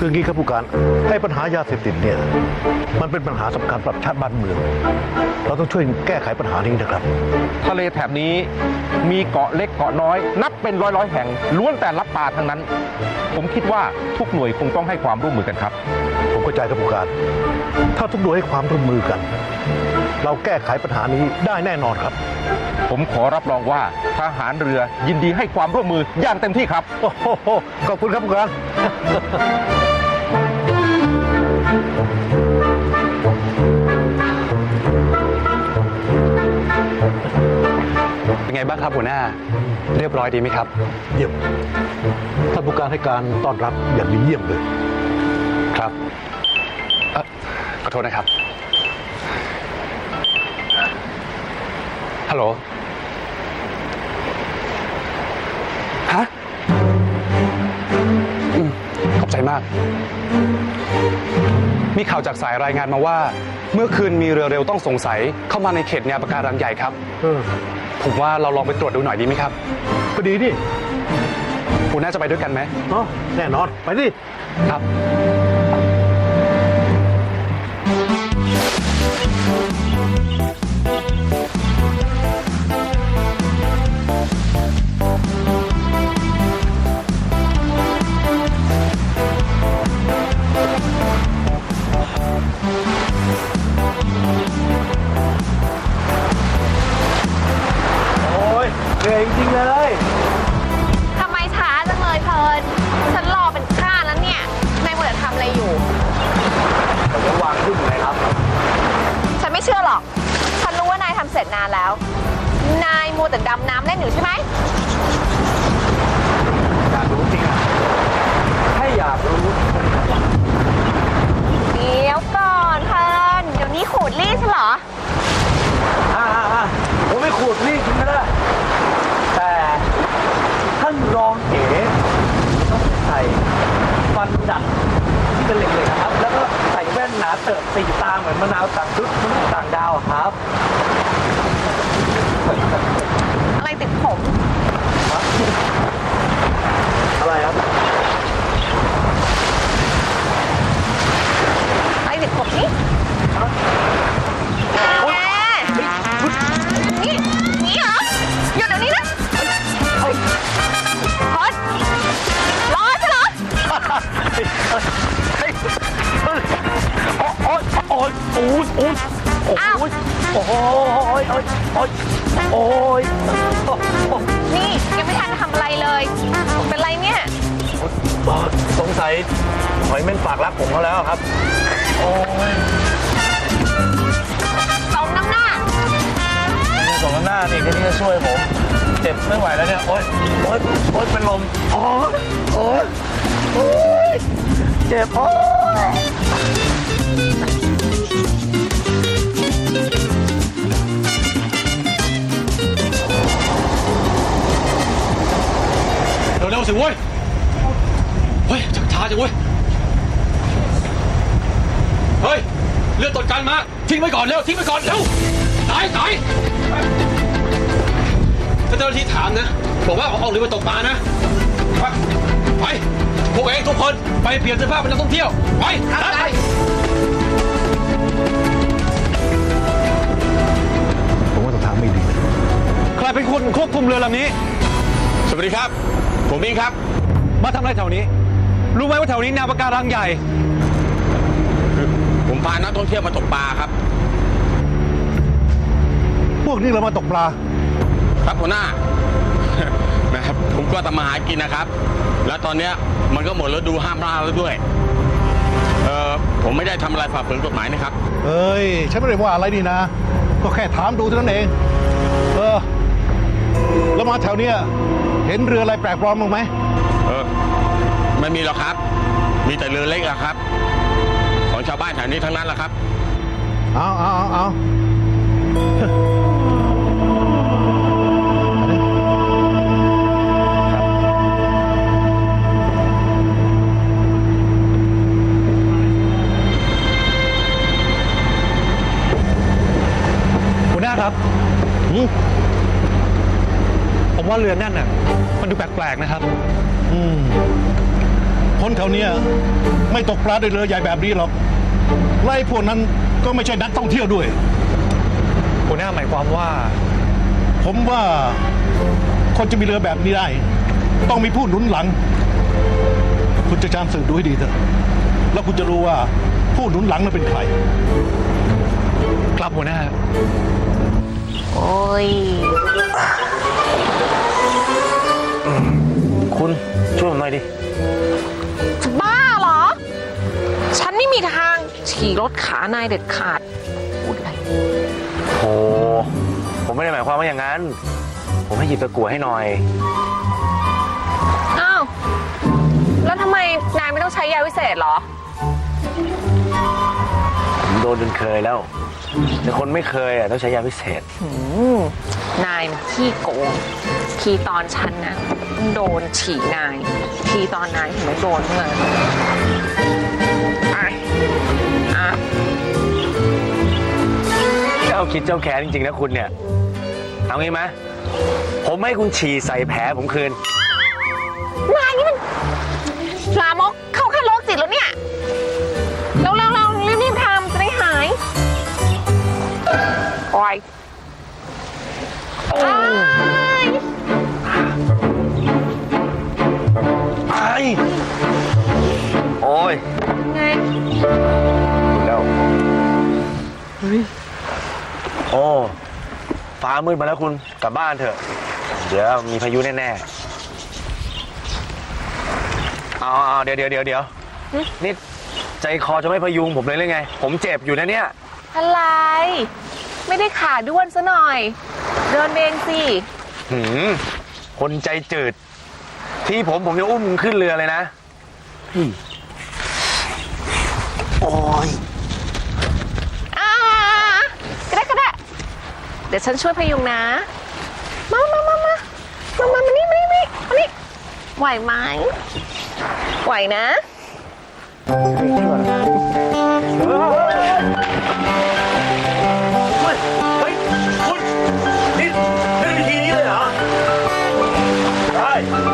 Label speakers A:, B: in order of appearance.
A: คืองี้ครับผู้การให้ปัญหายาเสพติดเนี่ยมันเป็นปัญหาสำคัญสำหรับชาติบ้านเมืองเราต้องช่วยแก้ไขปัญหานี้นะครับ
B: ทะเลแถบนี้มีเกาะเล็กเกาะน้อยนับเป็นร้อยแห่งล้วนแต่รับปลาทั้งนั้น ผมคิดว่าทุกหน่วยคงต้องให้ความร่วมมือกันครับ
A: ผมเข้าใจครับผู้การถ้าทุกหน่วยให้ความร่วมมือกัน เราแก้ไขปัญหานี้ได้แน่นอนครับ
B: ผมขอรับรองว่าทหารเรือยินดีให้ความร่วมมืออย่างเต็มที่ครับ
A: โอ้โหขอบคุณครับผู้การ
C: เป็นไงบ้างครับหัวหน้าเรียบร้อยดีไหมครับ
A: เยี่ยมท่านผู้การให้การต้อนรับอย่างดีเยี่ยมเลย
C: ครับขอโทษนะครับฮัลโหลฮะขอบใจมาก มีข่าวจากสายรายงานมาว่า เมื่อคืนมีเรือเร็วต้องสงสัยเข้ามาในเขตแนวปะการังใหญ่ครับผมว่าเราลองไปตรวจดูหน่อยดีไหมครับ
A: ก็ดีนี่
C: คุณน่าจะไปด้วยกันไหม
A: เนาะแน่นอนไปดิ
C: ครับ
A: โอ้ยเหนื่อยจริงๆเลย
D: ทำไมช้าจังเลยเพลินฉันรอเป็นข้าแล้วเนี่ย นายมัวแต่ทำอะไรอยู่
A: ผมจะวางขึ้นเลยครับ
D: ฉันไม่เชื่อหรอก ฉันรู้ว่านายทำเสร็จนานแล้ว นายมัวแต่ดำน้ำเล่นอยู่ใช่ไหม
A: อยากรู้จริงอ่ะให้อยากรู้
D: เดี๋ยวก่อนเพลินเดี๋ยวนี้ขูดรีดฉันเหรอ
A: ผมไม่ขูดรีดจริงก็ได้แต่ท่านรองเอ๋ต้องใส่ฟันดัดที่เป็นเหล็กๆนะครับ แล้วก็ใส่แว่นหนาเติบสีตาเหมือนมะนาวต่างดุษต่างดาวครับ
D: อะไรติดผม
A: อะไรครับ
D: อะไรติดผมนี่แกนี่เหรอหยุดเดี๋ยวนี้นะพอดรอใช่เหรอ อ้าว นี่ยังไม่ทันทำอะไรเลย เป็นไรเนี่ย
A: สงสัยหอยเม่นฝากรักผมเขาแล้วครับ
D: สมน้ำหน้า
A: สองหน้านี่แค่นี้จะช่วยผม เจ็บไม่ไหวแล้วเนี่ย โอ๊ยเป็นลมโอ๊ยเจ็บโอ๊ย
E: เร็วๆสิเว้ย เฮ้ยชักช้าจังเว้ย เฮ้ย เรือตรวจการมา ทิ้งไว้ก่อนเร็ว ทิ้งไว้ก่อนเร็วตายถ้าเจ้าหน้าที่ถามนะ บอกว่าเอาเรือไปตกปลานะ ไป พวกเองทุกคน ไปเปลี่ยนเสื้อผ้าเป็นนักท่องเที่ยว ไปไป
A: ผมว่าต้องทางไม่ดี
C: ใครเป็นคนควบคุมเรือลำนี้
E: สวัสดีครับ ผมมิงครับ
C: มาทำอะไรแถวนี้ รู้ไหมว่าแถวนี้แนวปะการังใหญ่
E: ผมพานักท่องเที่ยวมาตกปลาครับ
A: พวกนี้เรามาตกปลา
E: ครับหัวหน้า นะครับผมก็ทำมาหากินนะครับ แล้วตอนเนี้ยมันก็หมดฤดูห้ามล่าแล้วด้วย ผมไม่ได้ทำอะไรฝ่าฝืนกฎหมายนะครับ
A: เอ้ย ฉันไม่ได้ว่าอะไรนี่นะ ก็แค่ถามดูเท่านั้นเอง แล้วมาแถวเนี้ยเห็นเรืออะไรแปลกปลอมบ้างไหม
E: ไม่มีหรอกครับ มีแต่เรือเล็กอะครับ ของชาวบ้านแถวนี้ทั้งนั้นแหละครับ
A: เอา
C: หัวหน้าครับ ผมว่าเรือนั่นน่ะ มันดูแปลกๆนะครับ
F: คนแถวเนี้ยไม่ตกปลาด้วยเรือใหญ่แบบนี้หรอกไล่พวกนั้นก็ไม่ใช่นักท่องเที่ยวด้วย
C: หัวหน้าหมายความว่า
F: ผมว่าคนจะมีเรือแบบนี้ได้ ต้องมีผู้หนุนหลัง คุณจะจำสืบดูให้ดีเถอะแล้วคุณจะรู้ว่าผู้หนุนหลังนั้นเป็นใคร
C: ครับหัวหน้า
D: โอ้ย
B: คุณช่วยผมหน่อยดิ
D: จะบ้าเหรอ ฉันไม่มีทางฉี่รถขานายเด็ดขาดพูดอะไร
B: โอ้ผมไม่ได้หมายความว่าอย่างนั้น ผมให้หยิบตะกั่วให้หน่อย
D: อ้าว แล้วทำไมนายไม่ต้องใช้ยาวิเศษเหรอ
B: ผมโดนจนเคยแล้ว แต่คนไม่เคยอ่ะต้องใช้ยาพิเศษ
D: นายมันขี้โกง ทีตอนฉันนะต้องโดนฉี่นาย ทีตอนนายถึงไม่โดนเมื่ออ่ะ
B: เจ้าคิดเจ้าแค้นจริงๆนะคุณเนี่ย เอางี้ไหมผมให้คุณฉี่ใส่แผลผมคืน
D: นายนี่มันลามกเข้าขั้นโรคจิตแล้วเนี่ยเรารีบทำจะได้หายโอ้ยอ้าย
B: ไอ้โอ้ย
D: ไง
B: คุณแล้วโอ้ฟ้ามืดมาแล้วคุณกลับบ้านเถอะ เดี๋ยวมีพายุแน่ๆเอาเดี๋ยวนี่ใจคอจะไม่พยุงผมเลยหรือไง ผมเจ็บอยู่นะเนี่ย
D: อะไร ไม่ได้ขาด้วนซะหน่อย เดินเองสิ
B: คนใจจืด ที่ผมจะอุ้มขึ้นเรือเลยนะโอ้ย
D: ก็ได้ เดี๋ยวฉันช่วยพยุงนะ มานี่ไหวไหมไหวนะ
A: เฮ้ยคุณนี่เล่นวิธีนี้เลยเหรอได้